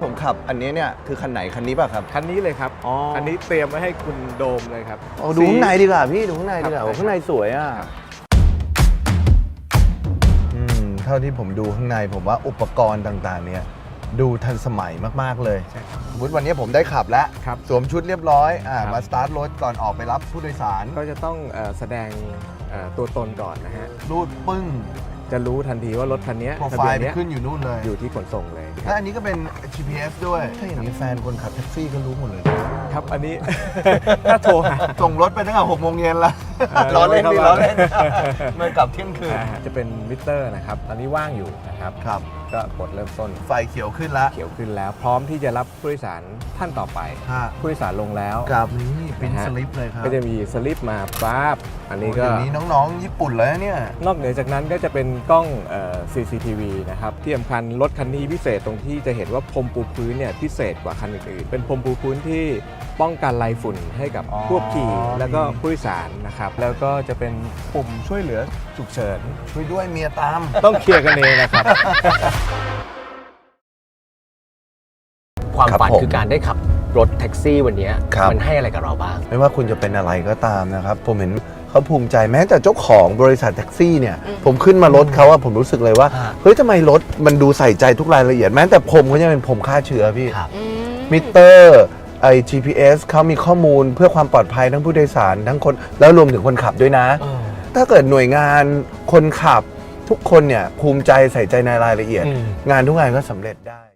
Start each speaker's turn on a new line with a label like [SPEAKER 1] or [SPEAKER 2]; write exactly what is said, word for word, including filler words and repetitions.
[SPEAKER 1] ผมขับอันนี้เนี่ยคือคันไหนคันนี้ป่ะครับ
[SPEAKER 2] คันนี้เลยครับ
[SPEAKER 1] อ๋ออั
[SPEAKER 2] อันนี้เตรียมไว้ให้คุณโดมเลยครับ
[SPEAKER 1] ดูข้างในดีกว่าพี่ดูข้างในดีกว่า
[SPEAKER 2] ครับ
[SPEAKER 1] โอ้ข้างในสวยอ่ะอืมเท่าที่ผมดูข้างในผมว่าอุปกรณ์ต่างๆเนี่ยดูทันสมัยมากๆเลย
[SPEAKER 2] ใช่ครับ
[SPEAKER 1] สมมติวันนี้ผมได้ขับแล้ว
[SPEAKER 2] ครับ
[SPEAKER 1] สวมชุดเรียบร้อยอ่า
[SPEAKER 2] ครับ
[SPEAKER 1] มาสตาร์ทรถก่อนออกไปรับผู้โดยสาร
[SPEAKER 2] ก็จะต้องเอ่อแสดงเอ่อตัวตนก่อนนะฮะ
[SPEAKER 1] รูดปึ้ง
[SPEAKER 2] จะรู้ทันทีว่ารถคันนี้
[SPEAKER 1] โปร
[SPEAKER 2] ทะ
[SPEAKER 1] ไฟ
[SPEAKER 2] เบียน
[SPEAKER 1] ล์ไป
[SPEAKER 2] เนี้ย
[SPEAKER 1] ขึ้นอยู่นู่นเลย
[SPEAKER 2] อยู่ที่ขนส่งเลยค
[SPEAKER 1] และ
[SPEAKER 2] รับ
[SPEAKER 1] อันนี้ก็เป็น จี พี เอส ด้วยถ้าอย่างนี้แฟนคนขับแท็กซี่ก็รู้หมดเลย
[SPEAKER 2] ครับอันนี้ ถ้าโทรหา
[SPEAKER 1] ส่งรถไปตั้งแต่หกโมงเย็นละ
[SPEAKER 2] เออ
[SPEAKER 1] ล้อเล่นดิ
[SPEAKER 2] ไม่
[SPEAKER 1] ล้อ
[SPEAKER 2] เข้า
[SPEAKER 1] เล่นเมื่อกลับเที่ยงคืน
[SPEAKER 2] อ่าจะเป็นมิเตอร์นะครับ ตอนนี้ว่างอยู่นะครับ
[SPEAKER 1] ครับ
[SPEAKER 2] ก็กดเริ่มต้น
[SPEAKER 1] ไฟเขียวขึ้นแล้ว
[SPEAKER 2] เขียวขึ้นแล้ว พร้อมที่จะรับผู้โดยสารท่านต่อไป
[SPEAKER 1] ฮะ
[SPEAKER 2] ผู้โดยสารลงแล้ว
[SPEAKER 1] กับนี่เป็น
[SPEAKER 2] นะฮะ
[SPEAKER 1] สลิปเลยครับ
[SPEAKER 2] ก็จะมีสลิปมาปั๊บอันนี้ก็
[SPEAKER 1] โอ้เดี๋ยวนี้น้องๆญี่ปุ่นเลยนะเนี่ย
[SPEAKER 2] นอกเหนือจากนั้นก็จะเป็นกล้องเอ่อ ซี ซี ที วี นะครับที่สำคัญรถคันนี้พิเศษตรงที่จะเห็นว่าพรมปูพื้นเนี่ยพิเศษกว่าคันอื่นๆเป็นพรมปูพื้นที่ป้องกันลายฝุ่นให้กับ
[SPEAKER 1] อ๋อ
[SPEAKER 2] ผู้ขับขี่แล้วก็
[SPEAKER 1] มี
[SPEAKER 2] ผู้โดยสารนะครับแล้วก็จะเป็นปุ่มช่วยเหลือฉุกเฉิน
[SPEAKER 1] ช่วยด้วยเมียตาม
[SPEAKER 2] ต้องเคลียร์กันเองนะครับ
[SPEAKER 3] ความ
[SPEAKER 1] ครับ
[SPEAKER 3] ฝัน
[SPEAKER 1] ผม
[SPEAKER 3] คือการได้ขับรถแท็กซี่วันนี้
[SPEAKER 1] ครับ
[SPEAKER 3] มันให้อะไรกับเราบ้าง
[SPEAKER 1] ไม่ว่าคุณจะเป็นอะไรก็ตามนะครับ ผมเห็นเขาภูมิใจแม้แต่เจ้าของบริษัทแท็กซี่เนี่ย ผมขึ้นมารถเขาอะผมรู้สึกเลยว่า
[SPEAKER 3] อ่า
[SPEAKER 1] เฮ้ยทำไมรถมันดูใส่ใจทุกรายละเอียดแม้แต่ผมก็ยังเป็นผมฆ่าเชื้อพี่
[SPEAKER 3] ครับ
[SPEAKER 1] มิเตอร์ไอ จี พี เอส เขามีข้อมูลเพื่อความปลอดภัยทั้งผู้โดยสารทั้งคนแล้วรวมถึงคนขับด้วยนะ ถ้าเกิดหน่วยงานคนขับทุกคนเนี่ยภูมิใจใส่ใจในรายละเอียด
[SPEAKER 3] อืม
[SPEAKER 1] งานทุกงานก็สำเร็จได้